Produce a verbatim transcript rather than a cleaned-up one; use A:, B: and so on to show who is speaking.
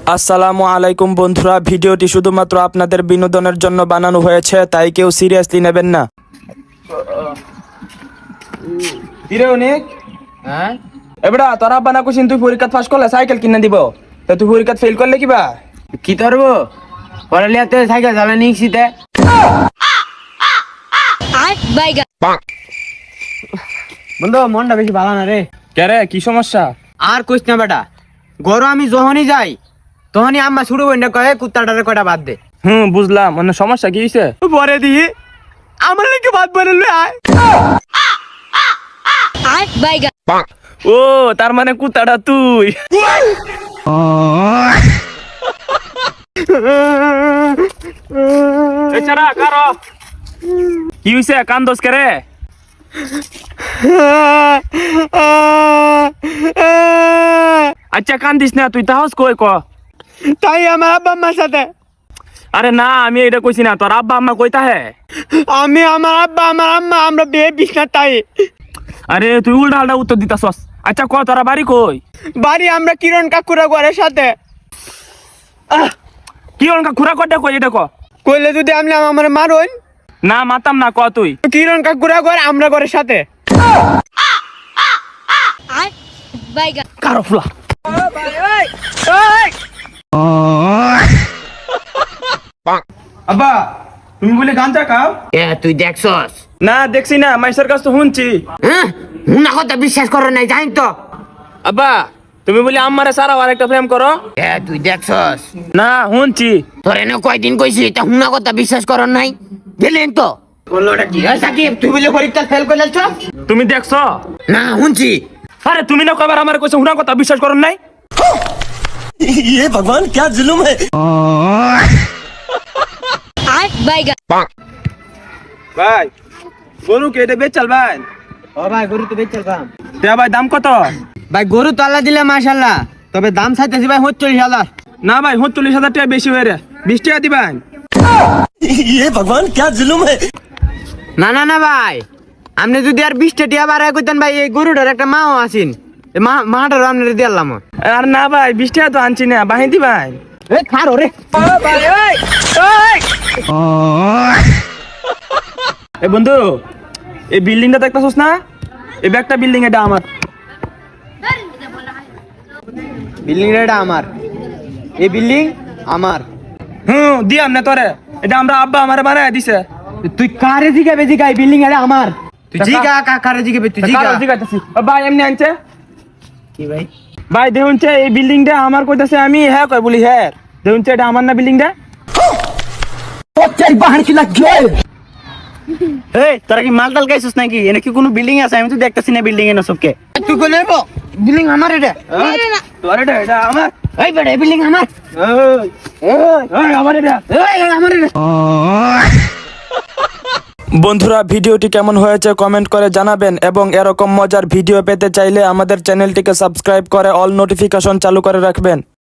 A: আসসালামু আলাইকুম বন্ধুরা, ভিডিওটি শুধুমাত্র আপনাদের বিনোদনের জন্য বানানো হয়েছে, তাই কেউ সিরিয়াসলি নেবেন না। কিরে অনেক
B: হ্যাঁ
A: এবড়া তোরা বানা কুছিন তুই পরীক্ষা পাস করলে সাইকেল কিনে দিব, তা তুই পরীক্ষা ফেল করলে কিবা
B: কি করবো পড়ালিয়াতে সাইকেল চালানি শিখতে বন্ধু মনটা বেশি ভালো না রে।
A: কে রে, কি সমস্যা?
B: আর কইস না বেটা, গরু আমি যখনই যাই তখনই আম্মা শুরু বইনা কয়ে কুত্তাটারে কয়টা বাদ দে।
A: হুম বুঝলাম, মানে সমস্যা কি হয়েছে?
B: পরে দিই আমার নাকি বাদ বলে আয়।
A: ও তার মানে কুত্তাটা তুই। এছাড়া কারো কি হয়েছে, কান্দোস কে রে? আচ্ছা কান্দিস না, তুই তাহস কই ক।
B: তাই আমার আব্বা আম্মার সাথে।
A: আরে না, আমি এটা কইছি না, তোর আব্বা আম্মা কইতা হে।
B: আমি আমার আব্বা আমার আম্মা আমরা বিয়ে বিছনা তাই।
A: আরে তুই উল্টা আল্টা উত্তর দিতাছস। আচ্ছা ক তোরা বাড়ি কই?
B: বাড়ি আমরা কিরণ কাকুরা ঘরের সাথে।
A: কি অনকা খুরা কটা কই এটা ক।
B: কইলে যদি আমি আমার মারুন
A: না মাতাম না, ক তুই।
B: কিরণ কাকুরা ঘর আমরা ঘরের সাথে।
A: কারো ফুলা আব্বা তুমি বলে গাঞ্জা খাও?
B: এ তুই দেখছস?
A: না দেখছি না, মাইসের কাছ তো শুনছি।
B: হ্যাঁ হুনা কথা বিশ্বাস করো নাই জানি তো।
A: আব্বা তুমি বলি আম্মারে সারা আর একটা প্রেম করো?
B: এ তুই দেখছস?
A: না শুনছি।
B: তোর এনে কয়দিন কইছি তা হুনা কথা বিশ্বাস করো নাই গেলেন তো বললোটা কি হয় সাকিব তুই বলে পরীক্ষা ফেল করে যাচ্ছ?
A: তুমি দেখছো?
B: না শুনছি।
A: আরে তুমি না কবার আমার কইছো হুনা কথা বিশ্বাস করো নাই?
C: ये भगवान क्या जुल्म है।
A: ভাই গরু কে এটা বেচাল ভাই?
B: ও ভাই গরু তো বেচলাম।
A: তে ভাই দাম কত?
B: ভাই গরু তো আল্লাহ দিলে মাশাআল্লাহ, তবে দাম চাইতেছি ভাই চল্লিশ হাজার।
A: না ভাই চল্লিশ হাজার টাকা বেশি হয়ে রে, বিশ টাকা দিবেন।
C: ये भगवान क्या जुल्म है।
B: না না না ভাই, আপনি যদি আর বিশটা টিয়া বাড়ায় কইতেন ভাই এই গরুটার একটা মাও আছেন, মা মাটারও আপনার দিলাম।
A: আর না ভাই বিশ টাকা তো আনছি না, বাহি দিবেন।
B: এ খারো রে
A: এ বন্ধু এই বিল্ডিংটা দেখতেছস না? এই ব্যাগটা বিল্ডিং এটা আমার।
B: বিল্ডিং এটা আমার, এই বিল্ডিং আমার।
A: হুম দিয়াম না তোরে, এটা আমরা আব্বা আমারে বানায় দিছে।
B: তুই কারে জিগাবে জিগাই বিল্ডিং এটা আমার। তুই জিগা কা কারে জিগাবে তুই জিগা।
A: কারো জিগাইতাছি। ও ভাই এমনি আনছে
B: কি ভাই?
A: ভাই দেখুনছে এই বিল্ডিংটা আমার কইতাছে, আমি হ্যাঁ কই বলি হ্যাঁ দেখুনছে এটা আমার না বিল্ডিংটা।
B: তোর বাহার কি লাগে?
C: এই তোরা কি মালটাল গাইছিস নাকি? এনে কি কোনো বিল্ডিং আছে? আমি তো দেখতাছি না বিল্ডিং এনে সবকে।
B: তুই কই নেবো? বিল্ডিং আমার এটা।
A: তোর এটা এটা আমার।
B: এই বেটা বিল্ডিং আমার।
A: ওই ওই ওই আমার এটা।
B: এই আমার এটা।
A: বন্ধুরা ভিডিওটি কেমন হয়েছে কমেন্ট করে জানাবেন, এবং এরকম মজার ভিডিও পেতে চাইলে আমাদের চ্যানেলটিকে সাবস্ক্রাইব করে অল নোটিফিকেশন চালু করে রাখবেন।